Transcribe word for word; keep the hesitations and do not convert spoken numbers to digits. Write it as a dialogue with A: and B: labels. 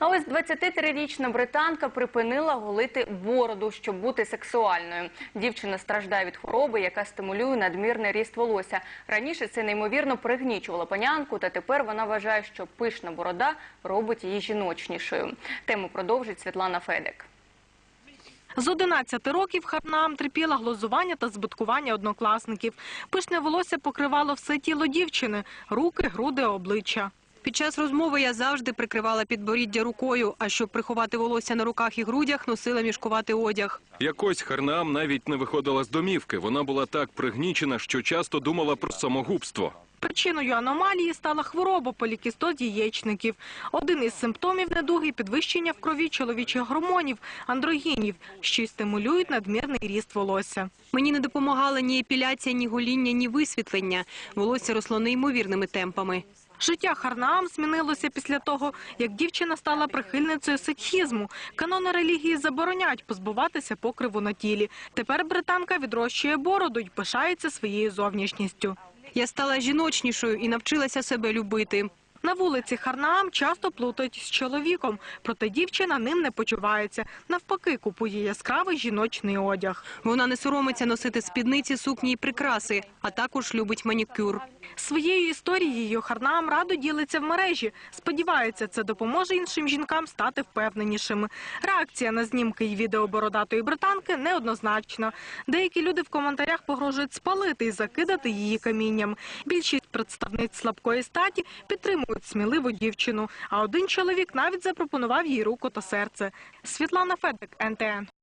A: А ось двадцятитрирічна британка припинила голити бороду, щоб бути сексуальною. Дівчина страждає від хвороби, яка стимулює надмірний ріст волосся. Раніше це неймовірно пригнічувало панянку, та тепер вона вважає, що пишна борода робить її жіночнішою. Тему продовжить Світлана Федик.
B: З одинадцяти років Харнаам терпіла глузування та збиткування однокласників. Пишне волосся покривало все тіло дівчини – руки, груди, обличчя.
C: Під час розмови я завжди прикривала підборіддя рукою, а щоб приховати волосся на руках і грудях, носила мішкуватий одяг.
D: Якось Харнаам навіть не виходила з домівки. Вона була так пригнічена, що часто думала про самогубство.
B: Причиною аномалії стала хвороба полікістоз яєчників. Один із симптомів недуги – підвищення в крові чоловічих гормонів – андрогінів, що й стимулюють надмірний ріст волосся.
C: Мені не допомагала ні епіляція, ні гоління, ні висвітлення. Волосся росло неймовірними темпами.
B: Життя Харнаам змінилося після того, як дівчина стала прихильницею сикхізму. Канони релігії забороняють позбуватися покриву на тілі. Тепер британка відрощує бороду й пишається своєю зовнішністю.
C: Я стала жіночнішою і навчилася себе любити.
B: На вулиці Харнаам часто плутають з чоловіком, проте дівчина ним не почувається. Навпаки, купує яскравий жіночний одяг.
C: Вона не соромиться носити спідниці, сукні і прикраси, а також любить манікюр.
B: Своєю історією Харнаам радо ділиться в мережі. Сподівається, це допоможе іншим жінкам стати впевненішими. Реакція на знімки і відео бородатої британки неоднозначна. Деякі люди в коментарях погрожують спалити і закидати її камінням. Більшість представниць слабкої статі підтримують сміливу дівчину, а один чоловік навіть запропонував їй руку та серце. Світлана Федик, ен те ен.